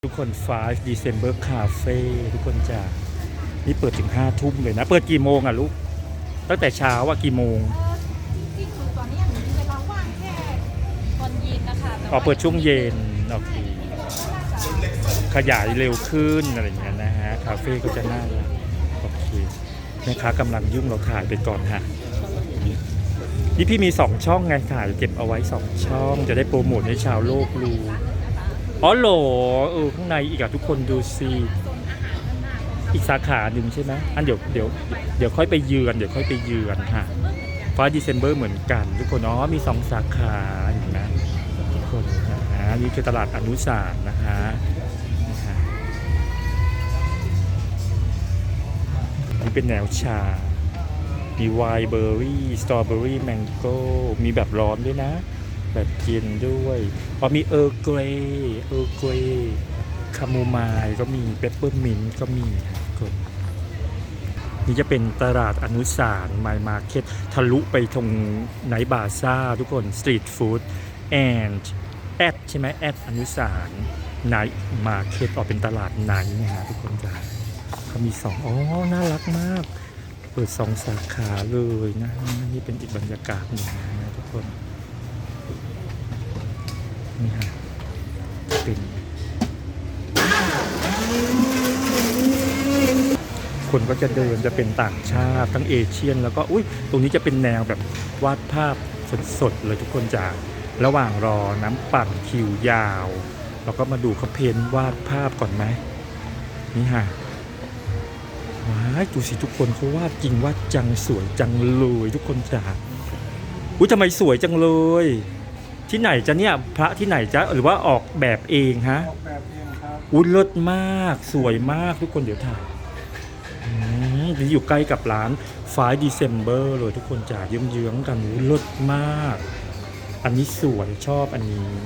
ทุกคน5 December Cafe ทุกคนจ้านี่เปิดถึง5 ทุ่มเลยนะเปิดกี่โมงอ่ะลูกตั้งแต่เช้าว่ากี่โมงจริงๆคือตอนนี้อย่างนี้เวลาว่างแค่ตอนเย็นนะคะอ๋อเปิดช่วงเย็นโอเคขยายเร็วขึ้นอะไรอย่างเงี้ยนะฮะคาเฟ่ก็จะน่ารักโอเคแม่ค้ากำลังยุ่งเราถ่ายไปก่อนฮะนี่พี่มี2ช่องไงถ่ายเก็บเอาไว้2ช่องจะได้โปรโมทให้ชาวโลกรู้อ๋อโหลข้างในอีกอะทุกคนดูสิอีกสาขาหนึ่งใช่ไหมอันเดี๋ยวค่อยไปเยือนค่ะ5 December เหมือนกันทุกคนอ๋อมี2 สาขาเห็นไหมทุกคนนะฮะนี่คือตลาดอนุสาวรีย์นะฮะนี่เป็นแนวชามีไวน์เบอร์รี่สตรอเบอร์รี่แมงโก้มีแบบร้อนด้วยนะแบบเย็นด้วยพอมีเออร์เกรย์คาโมไมล์ก็มีเปปเปอร์มินต์ก็มีครับนี่จะเป็นตลาดอนุสาวรีย์ไมล์มาร์เก็ตทะลุไปตรงไนท์บาซ่าทุกคนสตรีทฟู้ดแอนด์แอดใช่ไหมแอดอนุสาวรีย์ไนท์มาร์เก็ตออกเป็นตลาดไนท์นะฮะทุกคนจ้าเขามี2อ๋อน่ารักมากเปิด2 สาขาเลยนะนี่เป็นอีกบรรยากาศหนึ่งนะทุกคนนี่ฮะเป็นคนก็จะเดินจะเป็นต่างชาติทั้งเอเชียนแล้วก็อุ้ยตรงนี้จะเป็นแนวแบบวาดภาพสดๆเลยทุกคนจากระหว่างรอน้ำปั่นคิวยาวเราก็มาดูเขาเพ้นวาดภาพก่อนไหมนี่ฮะว้ายดูสิทุกคนเขาวาดจริงวาดจังสวยจังเลยทุกคนจากอุ้ยทำไมสวยจังเลยที่ไหนจะเนี่ยพระที่ไหนจะหรือว่าออกแบบเองฮะออกแบบเองครับอุ้ยเลิศมากสวยมากทุกคนเดี๋ยวถ่ายนี่อยู่ใกล้กับร้าน5 December เลยทุกคนจ่าเยื้องๆกันอุ้ยเลิศมากอันนี้สวยชอบอัน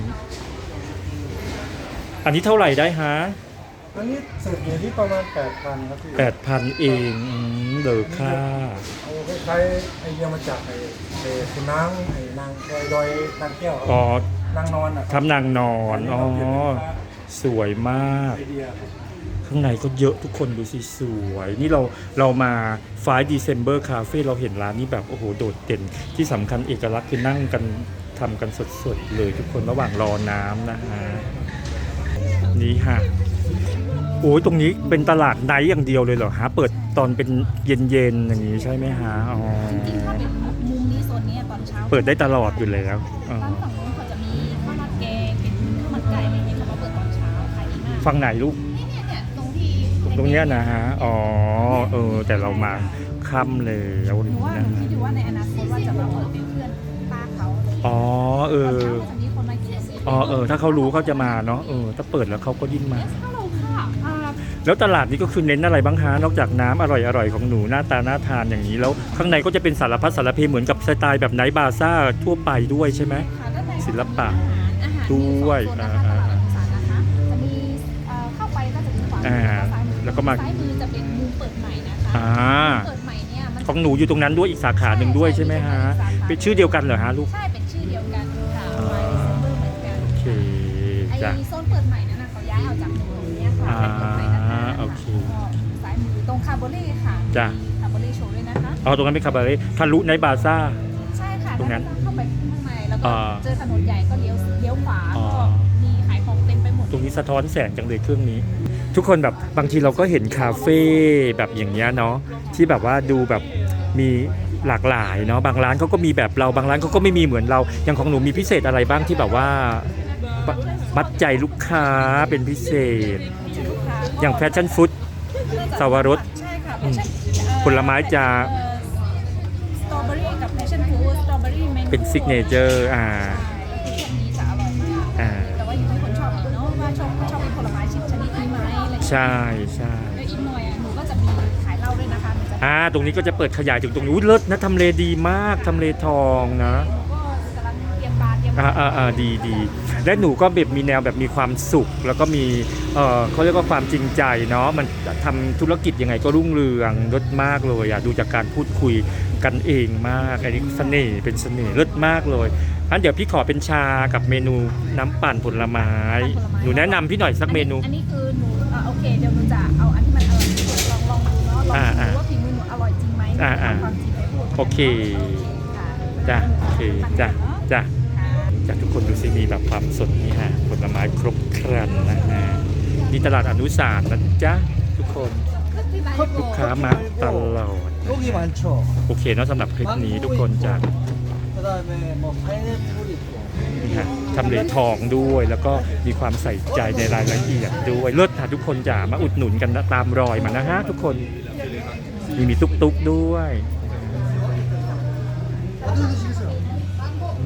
นี้เท่าไหร่ได้ฮะอันนี้สุดอยู่ที่ประมาณ 8,000 ครับพี่ 8,000 เองเดอค่าเอาคล้ายๆไอเดียมาจากคุณนางนางดอยนางแก้วอ๋นางนอนอ่ะทำนางนอนอ๋อสวยมากไอเดียข้างในก็เยอะทุกคนดูสิสวยนี่เรามา5 December Cafe เราเห็นร้านนี้แบบโอ้โหโดดเด่นที่สำคัญเอกลักษณ์คือนั่งกันทำกันสดๆเลยทุกคนระหว่างรอน้ำนะฮะนี่ฮะโอ้ยตรงนี้เป็นตลาดไนท์อย่างเดียวเลยเหรอฮะเปิดตอนเป็นเย็นๆอย่างนี้ใช่ไหมฮะอ๋อจริงๆถ้าเป็นมุมนี้โซนนี้ตอนเช้าเปิดได้ตลอดอยู่แล้วร้านฝั่งนู้นเขาจะมีข้าวราดแกงเป็นข้าวมันไก่อะไรอย่างเงี้ยเขามาเปิดตอนเช้าขายดีมากฝั่งไหนลูกเนี่ยตรงที่ตรงเนี้ยนะฮะอ๋อแต่เรามาค่ำเลยหนูว่าหนูคิดอยู่ว่าในอนาคตว่าจะมาเปิดเป็นเพื่อนป้าเขาอ๋อตอนเช้าจะมีคนมากินถ้าเขารู้เขาจะมาเนาะถ้าเปิดแล้วเขาก็ยิ่งมาฮัลโหลค่ะแล้วตลาดนี้ก็คือเน้นอะไรบ้างฮะนอกจากน้ำอร่อยๆของหนูหน้าตาน่าทานอย่างนี้แล้วข้างในก็จะเป็นสารพัดสารเพเหมือนกับสไตล์แบบไนท์บาซ่าทั่วไปด้วยใช่ไหมศิลปะด้วยจะมีเข้าไปก็จะมีขวามือแล้วก็มาซ้ายมือจะเป็นมุมเปิดใหม่นะคะเปิดใหม่เนี่ยของหนูอยู่ตรงนั้นด้วยอีกสาขาหนึ่งด้วยใช่ไหมฮะเป็นชื่อเดียวกันเหรอฮะลูกใช่เป็นชื่อเดียวกันค่ะไวน์เซมเบอร์เหมือนกันโอเคจ้ะไอโซนเปิดใหม่นั้นเขาย้ายเอาจากตรงนี้ค่ะเป็นเปิดใหม่นะคะโอเคซ้ายมือตรงคาร์โบเล่ค่ะจ้ะคาร์โบเล่โชว์ด้วยนะคะตรงนั้นเป็นคาร์โบเล่ทะลุไนท์บาซ่าใช่ค่ะตรงนั้นเข้าไปข้างในแล้วก็เจอถนนใหญ่ก็เลี้ยวขวาก็มีขายของเต็มไปหมดตรงนี้สะท้อนแสงจังเลยเครื่องนี้ทุกคนแบบบางทีเราก็เห็นคาเฟ่แบบอย่างเงี้ยเนาะที่แบบว่าดูแบบมีหลากหลายเนาะบางร้านเขาก็มีแบบเราบางร้านเขาก็ไม่มีเหมือนเราอย่างของหนูมีพิเศษอะไรบ้างที่แบบว่ามัดใจลูกค้าเป็นพิเศษอย่างแฟชั่นฟู้ดสวรสผลไม้จะสตรอเบอรี่กับแฟชั่นฟู้ดสตรอเบอรี่เป็นซิกเนเจอร์พวกนี้จะอร่อยมากแต่ว่าอยู่ที่คนชอบเนาะว่าชอบเป็นผลไม้ชนิดนี้ไหมอะไรใช่แล้วอีกหน่อยหนูก็จะมีขายเหล้าด้วยนะคะตรงนี้ก็จะเปิดขยายถึงตรงนู้นเลิศนะทำเลดีมากทำเลทองนะก็กำลังเตรียมบาร์ดีและหนูก็แบบมีแนวแบบมีความสุข แล้วก็มีเขาเรียกว่าความจริงใจเนาะมันทำธุรกิจยังไงก็รุ่งเรืองเลิศมากเลยอ่ะดูจากการพูดคุยกันเองมากอันนี้เสน่ห์เป็นเสน่ห์เลิศมากเลยงั้นเดี๋ยวพี่ขอเป็นชากับเมนูน้ำปั่นผลไม้หนูแนะนำพี่หน่อยสักเมนูอันนี้คือหนูโอเคเดี๋ยวหนูจะเอาอันที่มันอร่อยที่สุดลองดูเนาะลองดูว่าฝีมือหนูอร่อยจริงไหมความจริงไปพูดโอเคจ้ะโอเคจ้ะจ้ะจากทุกคนดูสิมีแบบความสดนี่ฮะผลไม้ครบครันนะฮะนี่ตลาดอนุสารณ์นะจ๊ะทุกคนลูกค้ามาตลอด 여기 많죠. โอเคเนาะสำหรับคลิปนี้ทุกคนจ้ะ 그다음에 뭐 파인애플 있고. นี่ฮะทำเลทองด้วยแล้วก็มีความใส่ใจในรายละเอียดด้วยเลิศค่ะทุกคนจ้ะมาอุดหนุนกันนะตามรอยมานะฮะทุกคนมีตุ๊กๆด้วย 어디 드실